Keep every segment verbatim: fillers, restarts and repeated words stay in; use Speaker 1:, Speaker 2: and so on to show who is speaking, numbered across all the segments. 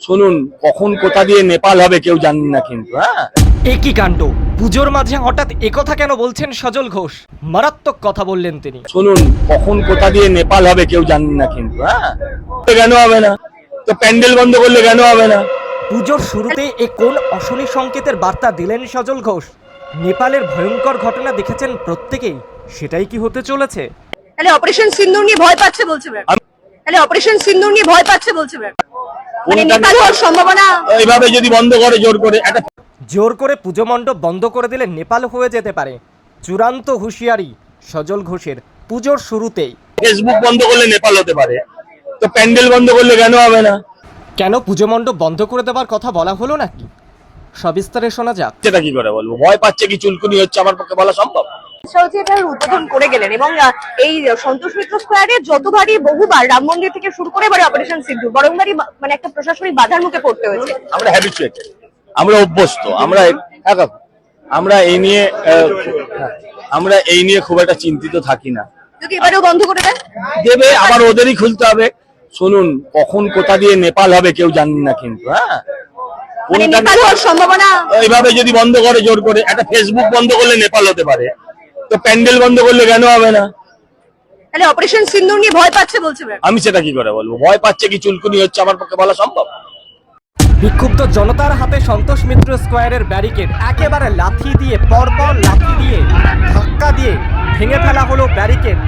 Speaker 1: শুনুন, কখন কোথা দিয়ে নেপাল হবে কেউ জানেন না, কিন্তু হ্যাঁ
Speaker 2: একই কাণ্ড। পুজোর মাঝে হঠাৎ একথা কেন বলছেন সজল ঘোষ? মারাত্মক কথা বললেন তিনি।
Speaker 1: শুনুন, কখন কোথা দিয়ে নেপাল হবে কেউ জানেন না, কিন্তু হ্যাঁ কেন হবে না? তো প্যান্ডেল বন্ধ করলে কেন হবে না?
Speaker 2: পুজোর শুরুতে এ কোন অশনি সংকেতের বার্তা দিলেন সজল ঘোষ? নেপালের ভয়ঙ্কর ঘটনা দেখেছেন প্রত্যেকেই, সেটাই কি হতে চলেছে?
Speaker 3: তাহলে অপারেশন সিন্দুর নিয়ে ভয় পাচ্ছে বলছে ম্যাম। তাহলে অপারেশন সিন্দুর নিয়ে ভয় পাচ্ছে বলছে ম্যাম। মানে নেপাল হওয়ার সম্ভাবনা
Speaker 1: এইভাবে যদি বন্ধ করে জোর করে একটা
Speaker 2: জোর করে পুজো মণ্ডপ বন্ধ করে দিলে নেপাল হয়ে যেতে পারে। চূড়ান্ত হুঁশিয়ারি সজল ঘোষের পুজোর শুরুতেই।
Speaker 1: ফেসবুক বন্ধ করলে নেপাল হতে পারে, তো প্যান্ডেল বন্ধ করলে কেন হবে না?
Speaker 2: কেন পুজো মণ্ডপ বন্ধ করে দেওয়ার কথা বলা হলো নাকি? সবিস্তারে শোনা যাক।
Speaker 1: সেটা কি করে বলবো? ভয় পাচ্ছে কি চুলকুনি হচ্ছে আমার পক্ষে বলা সম্ভব?
Speaker 3: এটার উদ্বোধন করে গেলেন এবং এই সন্তোষ মিত্র স্কোয়ারে যতবারই বহুবার রাম মন্দির থেকে শুরু করে এবারে অপারেশন সিন্দুর বরংবারই মানে একটা প্রশাসনিক বাধার মুখে পড়তে হয়েছে।
Speaker 1: আমরা হ্যাবিচুয়েটেড, আমরা অভ্যস্ত, আমরা আমরা এই নিয়ে আমরা এই নিয়ে খুব একটা চিন্তিত থাকি না।
Speaker 3: যদি এবারেও বন্ধ করে দেন
Speaker 1: দেবে, আবার ওদেরই খুলতে হবে। শুনুন, কখন কোথা দিয়ে নেপাল হবে কেউ জানেন না, কিন্তু হ্যাঁ
Speaker 3: মানে নেপাল হওয়ার সম্ভাবনা
Speaker 1: এইভাবে যদি বন্ধ করে জোর করে একটা ফেসবুক বন্ধ করলে নেপাল হতে পারে, তো প্যান্ডেল বন্ধ করলে কেন হবে না?
Speaker 3: তাহলে অপারেশন সিন্দুর নিয়ে ভয় পাচ্ছে বলছে ম্যাম।
Speaker 1: আমি সেটা কি করে বলবো? ভয় পাচ্ছে কি চুলকুনি হচ্ছে আমার পক্ষে বলা সম্ভব?
Speaker 2: বিক্ষুব্ধ জনতার হাতে সন্তোষ মিত্র স্কোয়ারের ব্যারিকেড একেবারে লাথি দিয়ে পরপর লাথি দিয়ে ধাক্কা দিয়ে ভেঙে ফেলা হলো ব্যারিকেড।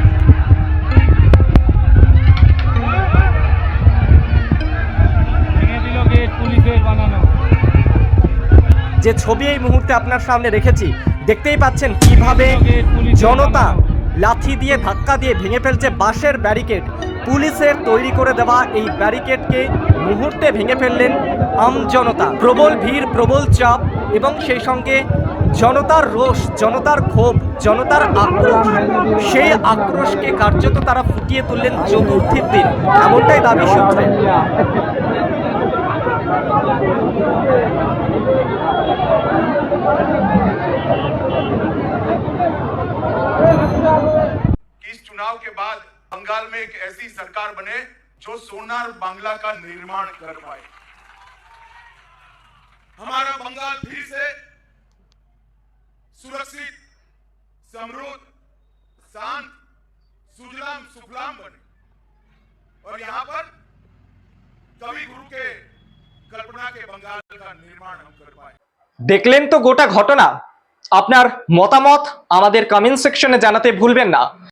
Speaker 2: যে ছবি এই মুহূর্তে আপনার সামনে রেখেছি, দেখতেই পাচ্ছেন কিভাবে জনতা লাথি দিয়ে ধাক্কা দিয়ে ভেঙে ফেলছে বাঁশের ব্যারিকেড। পুলিশের তৈরি করে দেওয়া এই ব্যারিকেডকে মুহূর্তে ভেঙে ফেললেন আমজনতা। প্রবল ভিড়, প্রবল চাপ এবং সেই সঙ্গে জনতার রোষ, জনতার ক্ষোভ, জনতার আক্রোশ। সেই আক্রোশকে কার্যত তারা ফুটিয়ে তুললেন চতুর্থীর দিন, এমনটাই দাবি সূত্রে।
Speaker 4: इस चुनाव के बाद बंगाल में एक ऐसी सरकार बने जो सोनार बांग्ला का निर्माण कर पाए। हमारा बंगाल फिर से सुरक्षित, समृद्ध, शांत, सुजलाम सुफलाम बने और यहां पर कवि गुरु के कल्पना के बंगाल का निर्माण हम कर पाए।
Speaker 2: দেখলেন তো গোটা ঘটনা। আপনার মতামত আমাদের কমেন্ট সেকশনে জানাতে ভুলবেন না।